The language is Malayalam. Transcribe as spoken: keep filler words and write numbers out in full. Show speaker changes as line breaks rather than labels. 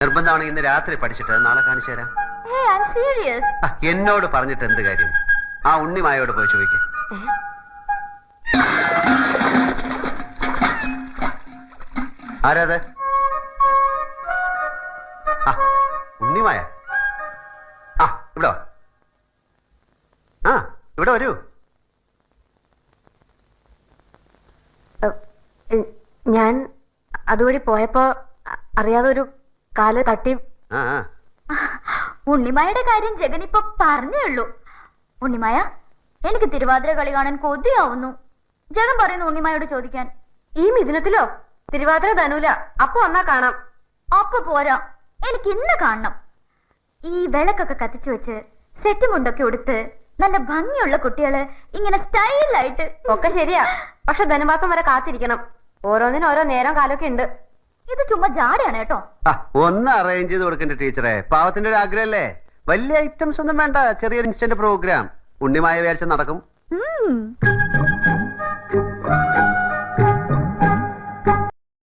നിർബന്ധമാണെങ്കിൽ ഇന്ന് രാത്രി പഠിച്ചിട്ട് നാളെ കാണിച്ചു തരാം.
Hey, I'm serious.
ആ, എന്നോട് പറഞ്ഞിട്ട് എന്ത് കാര്യം? ആ ഉണ്ണിമായോട് പോയി ചോദിക്ക. ആരാത്? ആ ഉണ്ണിമായ. ആ ഇവിടെ വാ. ആ ഇവിടെ വരൂ.
ഞാൻ അതുവഴി പോയപ്പോ അറിയാതെ ഒരു കാല് തട്ടി.
ആ ആ.
ഉണ്ണിമായുടെ കാര്യം ജഗൻ ഇപ്പൊ പറഞ്ഞേ ഉള്ളൂ. ഉണ്ണിമായ, എനിക്ക് തിരുവാതിര കളി കാണാൻ കൊതിയാവുന്നു. ജഗൻ പറയുന്നു ഉണ്ണിമായോട് ചോദിക്കാൻ. ഈ മിഥുനത്തിലോ? തിരുവാതിര ധനൂല. അപ്പൊ വന്നാ കാണാം. അപ്പൊ പോരാ, എനിക്ക് ഇന്ന് കാണണം. ഈ വിളക്കൊക്കെ കത്തിച്ചു വെച്ച് സെറ്റ് മുണ്ടൊക്കെ ഉടുത്ത് നല്ല ഭംഗിയുള്ള കുട്ടികള് ഇങ്ങനെ സ്റ്റൈലായിട്ട്. ഒക്കെ ശരിയാ, പക്ഷെ ധനുമാസം വരെ കാത്തിരിക്കണം. ഓരോന്നിനും ഓരോ നേരം കാലമൊക്കെ ഉണ്ട്. ഇത് ചുമ്മാ ജാടയാണ് കേട്ടോ.
ആ, ഒന്ന് അറേഞ്ച് ചെയ്ത് കൊടുക്കണ്ട ടീച്ചറെ. പാവത്തിന്റെ ഒരു ആഗ്രഹല്ലേ. വലിയ ഐറ്റംസ് ഒന്നും വേണ്ട, ചെറിയൊരു ഇൻസ്റ്റന്റ് പ്രോഗ്രാം. ഉണ്ണിമായ വിചാരിച്ച നടക്കും.
ഉം